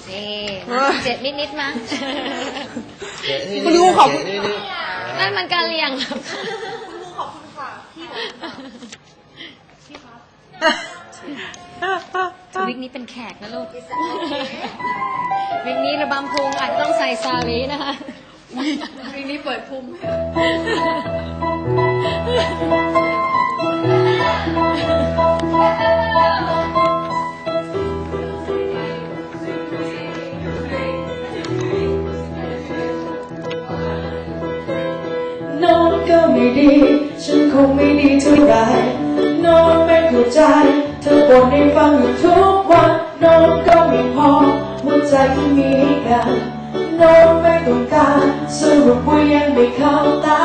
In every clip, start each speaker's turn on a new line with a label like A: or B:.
A: เจ็ดนิดมั้ง
B: คุณครูขอบคุณ
A: นั่นมันการเรียง
B: คุณครูขอบคุณค่ะพี่ครับ
A: วิกนี้เป็นแขกนะลูก วิกนี้ระบำพุงอาจจะต้องใส่ซาลีนะคะวิกนี้เปิดพุง
C: โน้นก็ไม่ดีฉันคงไม่ดีเท่าไรโน้นไม่เข้าใจเธอบ่นให้ฟังอยู่ทุกวันโน้นก็ไม่พอหัวใจที่มีกันโน้นไม่ต้องการสรุปว่ายังไม่เข้าตา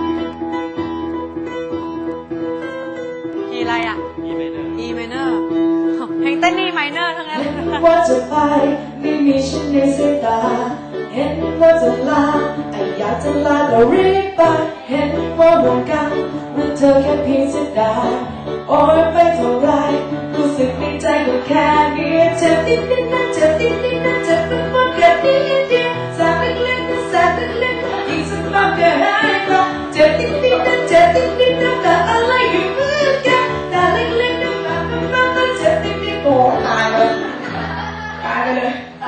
B: อีอะไรอ่ะ E minor เพลงเต้น E minor ทั้งนั้น
C: เห็นว่าจะไปไม่มีฉันในสายตาเห็นว่าจะลาแต่อยากจะลาก็รีบไปเห็นว่าหมดกันว่าเธอแค่เพียงเสียดายโอ้ยไม่เท่าไรรู้สึกในใจก็แค่นี้เจ็บนิดนิดนะเจ็บนิดนิดนะเจ็บเป็นว่าแค่นิดเดียวแสบเล็กๆนะแสบเล็กๆอีกสักพักก็หายไปเจ็บนิดนิดนะเจ็บนิดนิดนะแต่อะไรอยู่เหมือนกันแต่เล็กๆนะแบบเจ็บนิดนิดโอ้ตายเลยตายไปเลย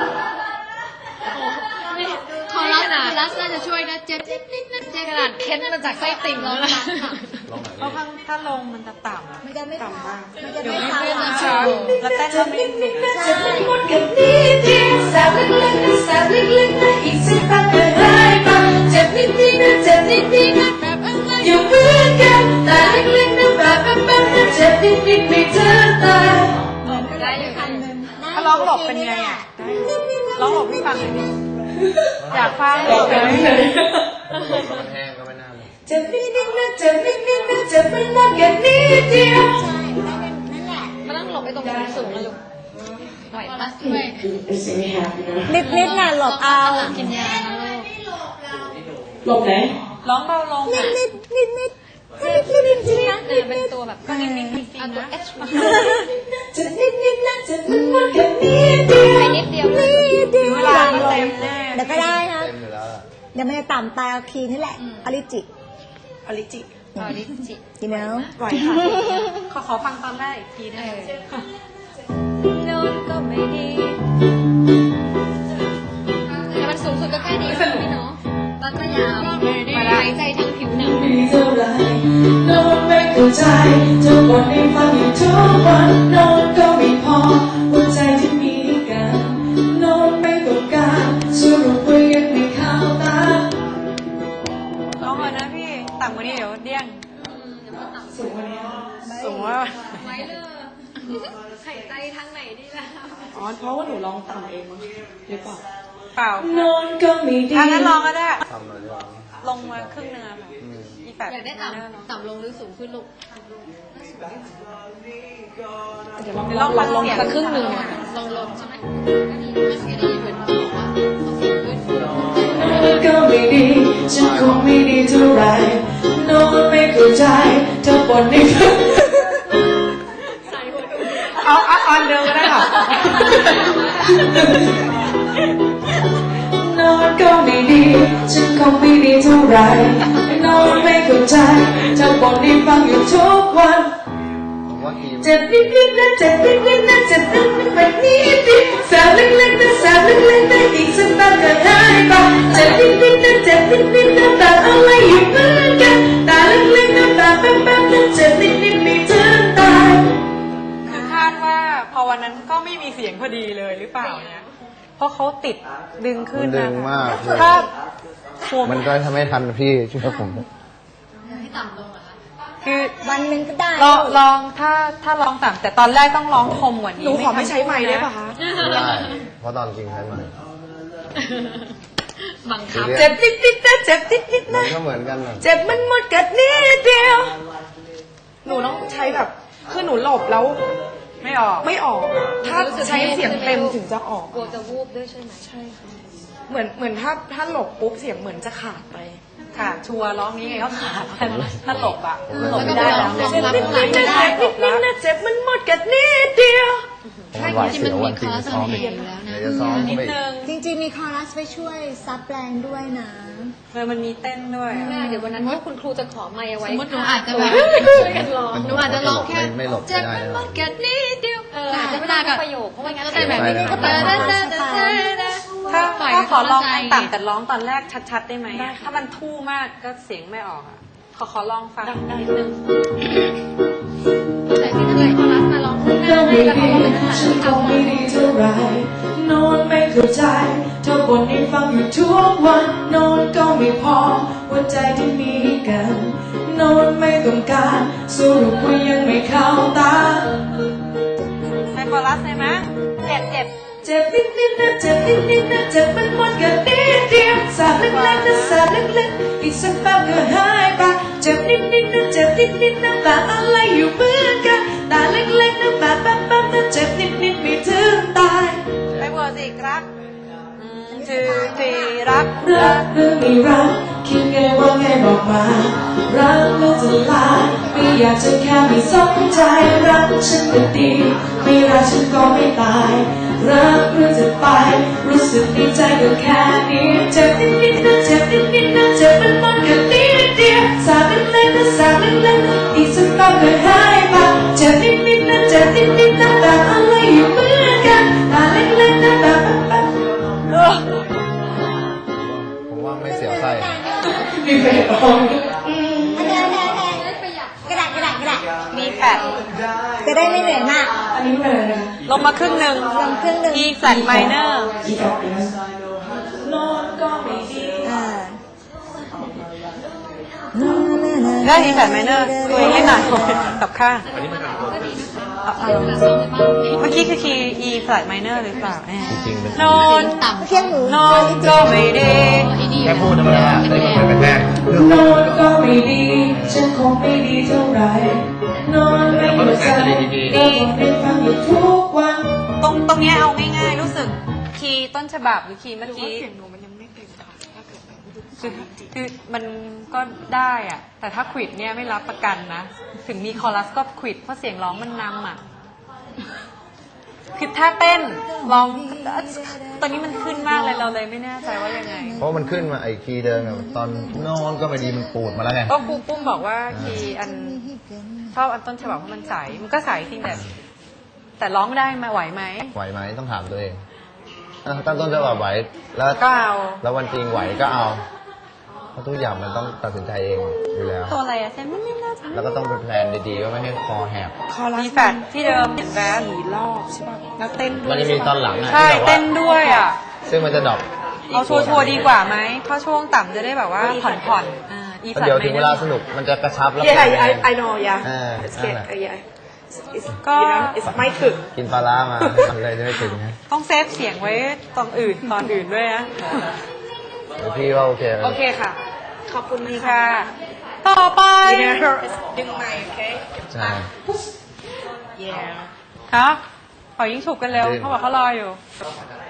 A: คอรัสน่าจะช่วยนะเจ็ดนิดเจกระดาษเค้นมาจากไส้ติ่งแล้วนะ
B: เพราะถ้าลงมันจะต่ำ
D: มันจะไม่
B: ต่ำมาก
D: มันจะ
B: เดี๋ยว
D: ไม่
B: ไม่
D: ซ้ำ
B: เพื่อน
D: อ่ะ
B: จะแล้วเต้นแล้วไม่หนุก
C: จะไม่หมดกันนิดเดียวแสบเล็กๆนะแสบเล็กๆนะอีกสักพักก็หายไปเจ็บนิดนิดนะเจ็บนิดนิดนะแบบอะไรอยู่เหมือนกันแต่เล็กๆนะแบบนะเจ็บนิดนิดไม่เจอตาย
A: ได้อยู่ค่ะ
B: ถ้าร้องหลบเป็นไงอ่ะร้องหลบให้ฟังหน่อยดิอยากฟัง
C: บอกกันไม่เลย
E: มันแห้งก็ไม่น่าเลย
C: เจ็บนิดนิดนะเจ็บนิดนิดนะเจ็บไม่มากแค่นิดเดียว
D: ใช่นั่นแหละ
A: มานั่งหลบไปตรงสูงๆนะลูกไหวปะ
D: นิดน่ะหลบเอา
A: กินยานะลูก
C: หลบไหน
B: ร้องเบาลงอ่ะ
D: นิด
A: เป็นตัวแบบก็นิ่งๆเอาตัว H มา
C: เจ็บนิดนิดนะเจ็บมันมากแค่นิดเดียว
A: ไปนิดเดียวเลย
B: ถึงเวลาก็เต็มแน่
D: เดี๋ยวก็ได้ครับ
E: เต็มอยู่แล้วล่ะ
D: เดี๋ยวมันจะต่ำตายเอาคีย์นี่แหละอริจิ
B: อลิจิ
A: ตอนนี้จิ
D: you know
B: ไหวค่ะขอฟังตอนแรกอีกทีได้ไหม
A: โน้นก็ไม่ดีแต่มันสูงสุดก็แค่นี้พี่เนาะตอนก็ยาวหายใจทางผิวหนัง
C: ไม่เท่าไรโน้นไม่เข้าใจเธอบ่นให้ฟังอยู่ทุกวันโน้นก็ไม่พอหัวใจที่มีกันโน้นไม่ต้องการสรุปว่ายังไม่เข้าตา
B: ร้องก่อนนะพี่ต่ำกว่านี้เดี๋ยวเดี้ยง
C: สูงกว่านี้
B: สูงว่า
A: ไว้เลยหายใจทางไหนดีล่ะ
C: อ๋อเพราะว่าหนูร้องต่ำเองหรือเปล่า
B: เปล่า
C: โน้นก็ไม่ดี
B: ถ้างั้นลองก็ได้
E: ทำหน่อยดีกว่า
B: ลงมาครึ่งเนื้อค่ะอีแปด
A: อยากได้ต่ำลงหรือสูงขึ้นลูก
B: เดี๋ยวลองฟังลงสักครึ่งหนึ่ง
A: ลงใช่ไหมก็ดีไม่ดีเหมือนบอกว่าเอาสูงขึ้น
C: โน้นก็ไม่ดีฉันคงไม่ดีเท่าไรโน้นไม่เข้าใจเธอบ่นให้ฟัง
B: เอาอันเดิมก็ได้ค่ะ
C: โน้นก็ไม่ดีฉันคงไม่ดีเท่าไรโน้นไม่เข้าใจเธอบ่นให้ฟังอยู่ทุกวัน
E: ผมว่าทีม
C: เจ็บนิดนิดนะเจ็บนิดนิดนะเจ็บนิดนิดแบบนี้ดิแสบเล็กๆนะแสบเล็กๆนะอีกสักแป๊บก็หายไปเจ็บนิดนิดนะเจ็บนิดนิดนะแต่อะไรอยู่เหมือนกันแต่เล็กๆนะแบบแป๊บๆนะเจ็บนิดนิดไม่ถึงตาย
B: คือคาดว่าพอวันนั้นก็ไม่มีเสียงพอดีเลยหรือเปล่าเนี่ยเพราะเขาติดดึงขึ้
E: มัน นดึ
B: นะ
E: งมากเลย
B: ถ้าโว
E: มันก็ทำให้ทันพี่เชื่อผม
A: ให้ต่ำลงเหรอคะ
B: คือ
D: วันหนึ่งก็ได้
B: ลองถ้าลองต่ำแต่ตอนแรกต้องร้องคมกว่านี้
C: หนูขอไม่ใช้ไมค์ได้ป่ะคะ
E: ได้เพราะตอนจริงใช้มัน
A: บังคับ
C: เจ็บนิดนิดนะเจ็บนิดนิด
E: มั
C: นะ
E: นก็เหมือนกันนะ
C: เจ็บมันหมดกัดนิดเดียวหนูต้องใช้แบบคือหนูหลบแล้ว
B: ไม่ออก
C: ไม่ออก ถ้าใช้เสียงเต็มถึงจะออก
A: กลัวจะวูบด้วยใช่ไหม
C: ใช่ค่ะเหมือนถ้าหลบปุ๊บเสียงเหมือนจะขาดไป
B: ค่ะชัวร์ร้องนี้ไงก็ขาดถ้าหลบอ่ะ
E: ผม
B: หลบไม่ได้แล้ว
A: ลองรับ
C: นิด
A: ข้างห
C: นิ
A: ลั
C: ด
A: ง
C: นะ
A: ไม่ได้
C: เจ็บนิดนิดนะเจ็บมันหมดกัดนิดเดียว
E: ผมหวาด
A: ที่
E: เสี
A: มัน
E: ยว
A: มี
E: วัน
A: ค
E: จริ
A: อง ร์ส
E: ซ้อม
A: เห็
E: อี
A: น
E: ก
A: อยู่แล้วนะ
E: จะซ้อม
B: นิ
E: เข้า
B: ด
E: ไปอีก
B: นึง
D: จริงๆมีคอรัสไปช่วยซับแรงด้วยนะ
B: มันมีเต้นด้วย
A: แม่เดี๋ยววันนั้นถ้าคุณครูจะขอไมค์เอาไว้
F: สมมติหนูอาจจะแบบ
A: ช่วยกันร้องหนูอาจจะร้องแค่
E: ไม่หลบ
A: เจ็บ
E: ไม่ได้
A: มันแค่นิดเดียวอาจจะไม่ได้กับประโยคเพราะว่างั้นจะแบบ
E: เสียงไปนะ
B: ถ้าขอลองต่ำแต่ร้องตอนแรกชัดๆได้ไหมอะถ้ามันทู่มากก็เสียงไม่ออกอ่ะ ขอลองฟังนิดนึง
A: แต่ที่จะเลยคอรัสมาร้องข้างหน้า
C: ก็
A: ให้
C: ไม่
A: กับ
C: ดี
A: เขาเป็นภาษา
C: ฉัน
A: ที่
C: คง
A: ทำ
C: ไม่ดีเท่าไหรโน้นไม่เข้าใจเธอบ่นให้ฟังอยู่ทุกวันโน้นก็ไม่พอหัวใจที่มีกันโน้นไม่ต้องการสรุปว่ายังไม่เข้าตา
B: ในคอรัสเลยไหมเจ็บ
C: เจ็บนิดๆนะเจ็บนิดๆนะเจ็บมันหมดกันนิดเดียวสาดเล็กๆนะสาดเล็กๆอีกสักแป๊บก็หายไปเจ็บนิดๆนะเจ็บนิดๆนะแบบอะไรอยู่เหมือนกันตาเล็กๆนะแบบแป๊บๆนะเจ็บนิดๆไม่ถึงตาย
B: ไปเวอร์สิรักจือจีรัก
C: รักหรือไม่รักคิดไงว่าไงบอกมารักหรือจะลาไม่อยากจะแค่ไม่สนใจรักฉันก็ดีไม่รักฉันก็ไม่ตายรักหรือจะไปรู้สึกดีใจก็แค่นี้เจ็บนิดๆนะเจ็บนิดๆนะเจ็บมันหมดแค่นิดเดียวสาดเล็กๆนะสาดเล็กๆอีกสักแป๊บก็หายไปเจ็บนิดๆนะเจ็บนิดๆนะแบบอะไรอยู่เหมือนกันตาเล็กๆนะแบบแป๊บๆ
E: ผมว่าไม่เสียวไส้
C: มีเบสออน
D: อันนี้กระดาษ
B: มีแปด
D: จะได้ไม่เหนื่อยมาก
C: อันนี้เป็นอะไรนะ
B: ลงมาครึ่งหนึ่ง
D: ลงครึ่งหนึ่ง
B: E flat minor
C: อีกอันนึงนอนก็ไม่ดี
B: ได้ E flat minor ตัวเองให้หน่อยกับข้างเมื่อกี้คือคีย์ E flat minor หรือเปล่า
E: จริงๆเป็น
B: นอน
D: เที่ยงหนู
B: นอนก็ไม่ดี
E: แค่พูดธรรมดาได้ยินเป็นแรกเรื่อง
C: นอนก็ไม่ดีฉันคงไม่ดีเท่าไหร่นอนไม่หยุดใจก็บอกให้ฟังอยู่ทุกวัน
B: ตรงเนี้ยเอาง่ายๆ รู้สึกคีย์ต้นฉบับหรือคีย์เมื่อกี้คือมันก็ได้อะแต่ถ้าควิดเนี่ยไม่รับประกันนะ ถึงมีคอรัสก็ควิดเพราะเสียงร้องมันนำอ่ะ คือถ้าเต้นร้องตอนนี้มันขึ้นมากเลยเราเลยไม่แน่ใจว่ายังไง
E: เพราะมันขึ้นมาไอ้คีย์เดิมอะตอนนอนก็ไม่ดีมันปูดมาแล้วไง
B: ก็ครูปุ้มบอกว่าคีย์อันชอบอันต้นฉบับเพราะมันใสมันก็ใสจริงแต่ร้องได้มาไหวไหม
E: ไหวไหมต้องถามตัวเองตั้งต้นจะว่าไหวแล้ว
B: ก็เอา
E: แล้ววันจริงไหวก็เอาเพราะทุกอย่างมันต้องตัดสินใจเองอยู่แล้ว
B: ตัวอะไรอะเซนไม่น่าจะ
E: แล้วก็ต้องเป็นแพลนดีๆว่าไม่ให้คอแหบ
B: มีแฟดที่เดิมเห็นแวส4 รอบใช่ป่ะแล้วเต้น
E: มันจะมีตอนหลังอะ
B: ใช่
E: ที่แบบว่า
B: เต้นด้วยอ่ะ
E: ซึ่งมันจะดรอป
B: เอาชัวร์ๆดีกว่าไหมเพราะช่วงต่ำจะได้แบบว่าผ่อนอี
E: แล้วเดี๋ยวถึงเวลาสนุกมันจะกระชับแล้ว
G: I know, yeah.
E: อ่า
G: It's
E: นั่น
G: good.
E: แหละ
G: Yeah. It's,
B: Go.
G: you know, it's my food.
E: กินปลาร้ามาเลยจะไม่ถึงนะ
B: ต้องเซฟเสียงไว้ตอนอื่นด้วยนะ
E: เดี๋ยวพี่ว่าโอเค
B: โอเคค่ะ
G: ขอบคุณ
B: นี่
G: ค่ะ
B: ค่ะ ต่อไป
G: ดึงไมค์ okay?
E: ใช่
G: Yeah.
B: ครับขอยิงฉุบกันเร็วเขาบอกเขารออยู่
E: เ